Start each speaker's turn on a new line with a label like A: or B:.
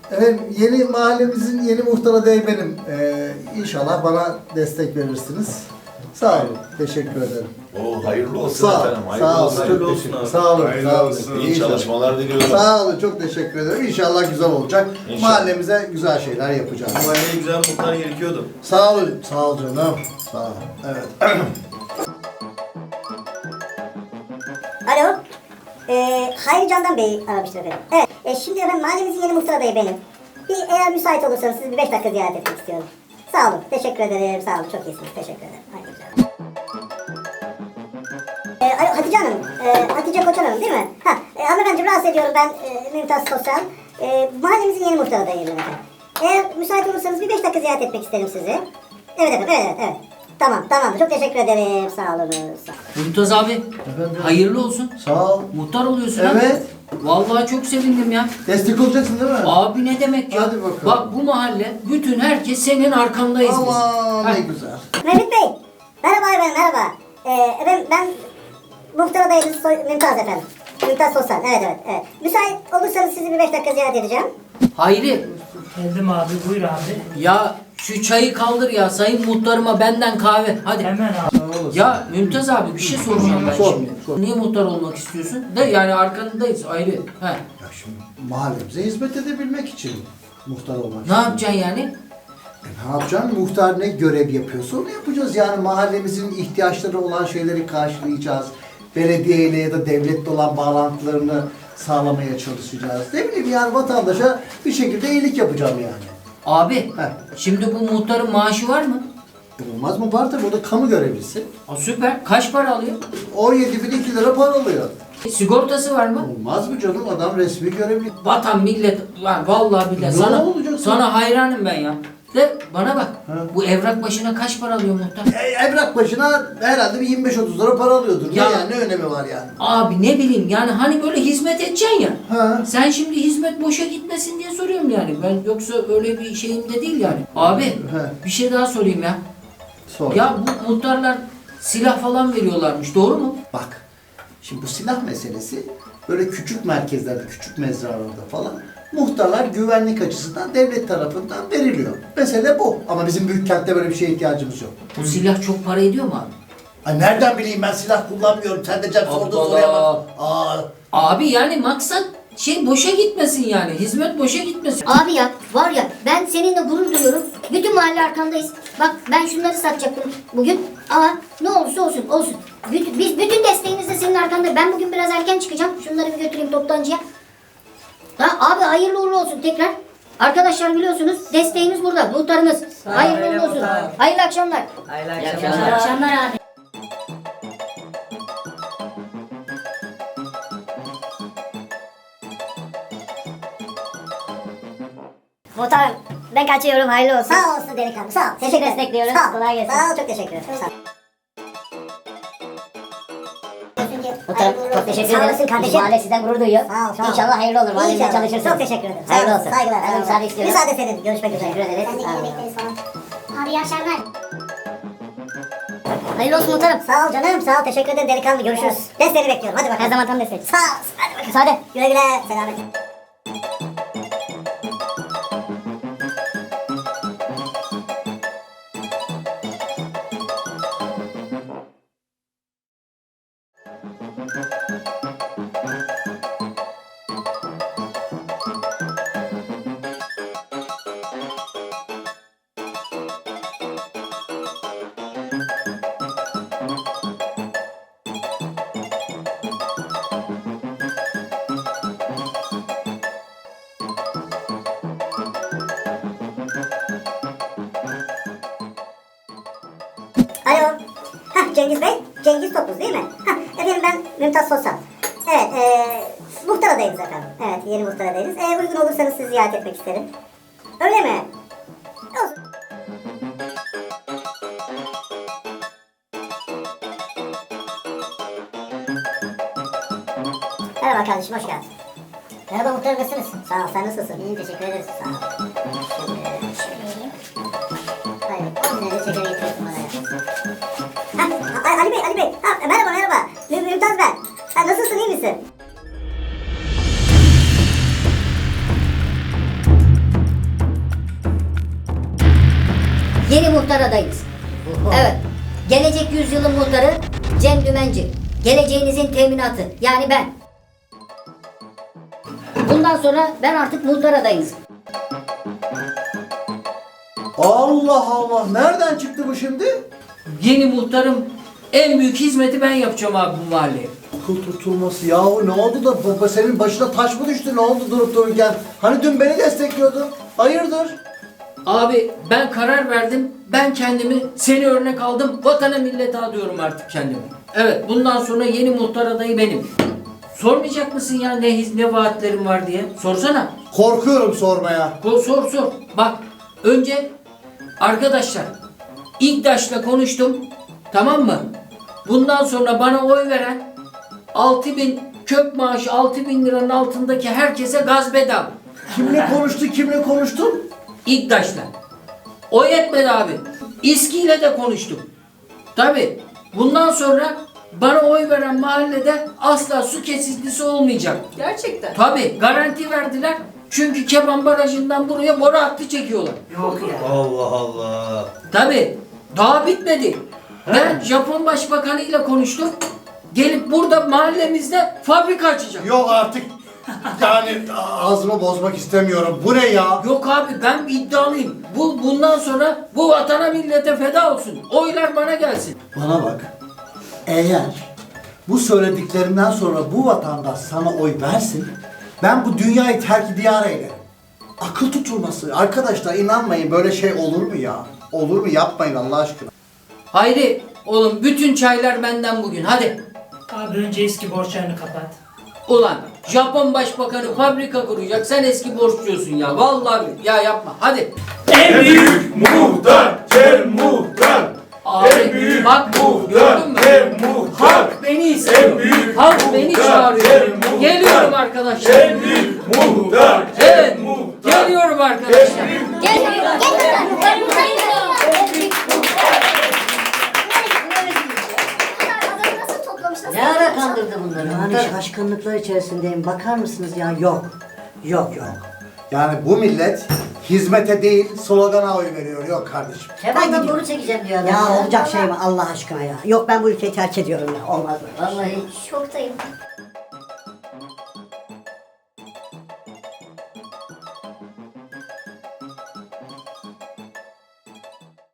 A: Efendim yeni mahallemizin yeni muhtar adayı benim. İnşallah bana destek verirsiniz. Sağ olun. Teşekkür ederim.
B: Hayırlı olsun
A: Sağ olun.
B: efendim. Hayırlı
A: Sağ olun.
B: olsun.
A: Çok teşekkür. Sağ olun. Sağ olun.
B: İyi çalışmalar diliyorum.
A: Sağ olun. Çok teşekkür ederim. İnşallah güzel olacak.
B: İnşallah.
A: Mahallemize güzel şeyler yapacağız.
C: Mahalleye güzel muhtar gerekiyordu.
A: Sağ olun. Sağ ol canım. Sağ ol. Evet.
D: Alo. Hayri Candan Bey aramıştır efendim. Evet. Şimdi efendim mahallemizin yeni muhtar adayı benim. Eğer müsait olursanız sizi bir 5 dakika ziyaret etmek istiyorum. Sağ olun. Teşekkür ederim. Sağ olun. Çok iyisiniz. Teşekkür ederim. Haydi güzel. Alo Hatice Hanım. Hatice Koçan Hanım değil mi? Hanımefendi rahatsız ediyorum ben Mümtaz Sosyal. Mahallemizin yeni muhtar adayıyım efendim. Eğer müsait olursanız bir 5 dakika ziyaret etmek isterim sizi. Evet efendim. Evet. Tamam. Çok teşekkür ederim. Sağ olun.
E: Mümtaz abi, hayırlı olsun.
A: Sağ ol.
E: Muhtar oluyorsun ha?
A: Evet.
E: Vallahi çok sevindim ya.
A: Destek olacaksın değil mi?
E: Abi ne demek ya?
A: Hadi bakalım.
E: Bak bu mahalle, bütün herkes senin arkandayız biz.
A: Aman
E: Ha.
A: ne güzel.
D: Mehmet Bey. Merhaba efendim. Merhaba. Efendim ben muhtar adayınız Mümtaz efendim. Mümtaz Sosyal. Evet. Müsait olursanız sizi bir 5 dakika ziyaret edeceğim.
E: Hayri,
F: Geldim abi, buyur abi.
E: ya şu çayı kaldır ya, sayın muhtarıma benden kahve. Hadi.
F: Hemen abi.
A: Sağ olasın.
E: Ya Mümtaz abi bir şey soracağım ben
A: Sor,
E: şimdi.
A: sor.
E: Niye muhtar olmak istiyorsun? De yani arkandayız ayrı. He.
A: Ya şimdi mahallemize hizmet edebilmek için muhtar olmak
E: Ne yapacaksın yani?
A: Ne yapacaksın? Muhtar ne görev yapıyorsa onu yapacağız. Yani mahallemizin ihtiyaçları olan şeyleri karşılayacağız. Belediyeyle ya da devletle olan bağlantılarını sağlamaya çalışacağız. Ne bileyim yani vatandaşa bir şekilde iyilik yapacağım yani.
E: Abi,
A: He.
E: şimdi bu muhtarın maaşı var mı?
A: Olmaz mı? Var tabii. O da kamu görevlisi.
E: Süper. Kaç para alıyor?
A: 17.002 lira para alıyor.
E: Sigortası var mı?
A: Olmaz mı canım? Adam resmi görevli.
E: Vatan millet, lan vallahi billahi
A: Ne
E: sana
A: olacak
E: sana hayranım ben ya. De bana bak.
A: Ha.
E: Bu evrak başına kaç para alıyor muhtar?
A: Evrak başına herhalde bir 25-30 lira para alıyordur.
E: Ya.
A: Ne yani? Ne önemi var yani?
E: Abi ne bileyim yani hani böyle hizmet edeceksin ya.
A: Ha.
E: Sen şimdi hizmet boşa gitmesin diye soruyorum yani. Ben yoksa öyle bir şeyim de değil yani. Abi bir şey daha sorayım ya.
A: Sor.
E: Ya bu muhtarlar silah falan veriyorlarmış, doğru mu?
A: Bak, şimdi bu silah meselesi böyle küçük merkezlerde, küçük mezralarda falan muhtarlar güvenlik açısından devlet tarafından veriliyor. Mesele bu. Ama bizim büyük kentte böyle bir şeye ihtiyacımız yok.
E: Bu silah çok para ediyor mu abi?
A: Ay nereden bileyim ben silah kullanmıyorum. Sen de cep sorduğun
E: Allah
A: soruya
E: Allah.
A: bak. Aa,
E: Abi yani maksat boşa gitmesin yani. Hizmet boşa gitmesin.
G: Abi ya var ya ben seninle gurur duyuyorum. Bütün mahalle arkandayız. Bak ben şunları satacaktım bugün ama ne olursa olsun. Biz bütün desteğimizle senin arkandayız. Ben bugün biraz erken çıkacağım. Şunları bir götüreyim toptancıya. Ha, abi hayırlı uğurlu olsun tekrar. Arkadaşlar biliyorsunuz desteğimiz burada. Muhtarımız. Hayırlı uğurlu olsun. Hayırlı akşamlar.
E: Hayırlı
G: akşamlar abi.
D: Muhtarım ben kaçıyorum. Hayırlı olsun. Sağ olsun delikanlı. Sağ ol. Teşekkür destekliyoruz. Sağ ol. Kolay gelsin. Sağ ol. Çok teşekkür ederim. Sağ ol.
G: Muhtarım çok teşekkür
D: Sağ
G: ederim.
D: olasın kardeşim.
G: Mahalle sizden gurur duyuyor.
D: Sağ ol.
G: İnşallah hayırlı olur. Mahallemizde
D: İnşallah.
G: çalışırsınız.
D: Çok teşekkür ederim.
G: Hayırlı
D: Sağ ol.
G: olsun.
D: Saygılar.
G: Ben müsaade istiyorum.
D: Müsaade senin. Görüşmek üzere.
G: Teşekkür ederiz.
D: Ben de
G: Sağ olun.
D: bekleriz falan.
G: Abi iyi akşamlar. Hayırlı olsun muhtarım.
D: Sağ ol canım. Sağ ol. Teşekkür ederim delikanlı. Görüşürüz. Desteğini bekliyorum. Hadi bakalım.
G: Her zaman tam destek.
D: Sağ ol. Hadi bakalım.
G: Müsaade.
D: Güle güle. Selamet. Alo. Cengiz Bey. Cengiz Topuz değil mi? Efendim ben Mümtaz Sosyal. Evet. Muhtar adayınız efendim. Evet. Yeni muhtar adayınız. Uygun olursanız sizi ziyaret etmek isterim. Öyle mi? Olsun. Merhaba kardeşim. Hoş geldin. Merhaba muhtarım. Nasılsınız? Sağ ol. Sen nasılsın? İyiyim. Teşekkür ederiz. Sağ ol. Hayır. 10 senedir şeker getiriyorsun bana ya. Ali Bey. Merhaba. Mümtaz ben. Nasılsın, iyi misin?
G: adayınız. Evet. Gelecek yüzyılın muhtarı Cem Dümenci. Geleceğinizin teminatı. Yani ben. Bundan sonra ben artık muhtar adayınız.
A: Allah Allah. Nereden çıktı bu şimdi?
E: Yeni muhtarım, en büyük hizmeti ben yapacağım abi bu mahalleye.
A: Akıl tutulması yahu, ne oldu da baba, senin başına taş mı düştü, ne oldu durup dururken? Hani dün beni destekliyordun. Hayırdır?
E: Abi ben karar verdim. Ben kendimi seni örnek aldım. Vatana millete adıyorum artık kendimi. Evet, bundan sonra yeni muhtar adayı benim. Sormayacak mısın ya ne vaatlerim var diye? Sorsana.
A: Korkuyorum sormaya.
E: Sor. Bak önce arkadaşlar İGDAŞ'la konuştum. Tamam mı? Bundan sonra bana oy veren 6.000 kök maaşı 6.000 liranın altındaki herkese gaz bedava.
A: Kimle konuştun?
E: İGDAŞ'la. O yetmedi abi. İSKİ'yle de konuştum. Tabi bundan sonra bana oy veren mahallede asla su kesintisi olmayacak.
H: Gerçekten.
E: Tabi garanti verdiler. Çünkü Keban Barajı'ndan buraya boru hattı çekiyorlar.
F: Yok ya.
C: Allah Allah.
E: Tabi daha bitmedi. Ben Japon Başbakanı ile konuştum. Gelip burada mahallemizde fabrika açacak.
A: Yok artık. Yani ağzımı bozmak istemiyorum. Bu ne ya?
E: Yok abi ben iddialıyım. Bundan sonra bu vatana millete feda olsun. Oylar bana gelsin.
A: Bana bak. Eğer bu söylediklerinden sonra bu vatandaş sana oy versin, ben bu dünyayı terk diyar eylerim. Akıl tutulması. Arkadaşlar inanmayın, böyle şey olur mu ya? Olur mu? Yapmayın Allah aşkına.
E: Hayri oğlum bütün çaylar benden bugün hadi.
F: Abi önce eski borçlarını kapat.
E: Ulan Japon Başbakanı fabrika kuracak, sen eski borçluyorsun ya. Vallahi ya yapma hadi.
F: En büyük
B: Muhtar, Cem Muhtar.
E: Abi bak gördün mü? Halk beni istiyor. Halk beni çağırıyor. Geliyorum arkadaşlar.
B: Muhtar,
E: Evet geliyorum arkadaşlar.
G: Gel nasıl toplamışlar?
I: Ne ara kandırdı bunları?
J: Yani
I: Muhtar?
J: şaşkınlıklar içerisindeyim. Bakar mısınız ya? Yok. Yok.
A: Yani bu millet hizmete değil slogana oy veriyor. Yok kardeşim.
I: Kemal'den boru çekeceğim diyor adam.
J: Ya olacak şey mi Allah aşkına ya? Yok, ben bu ülkeyi terk ediyorum ya. Olmaz böyle.
I: Vallahi
G: Şoktayım.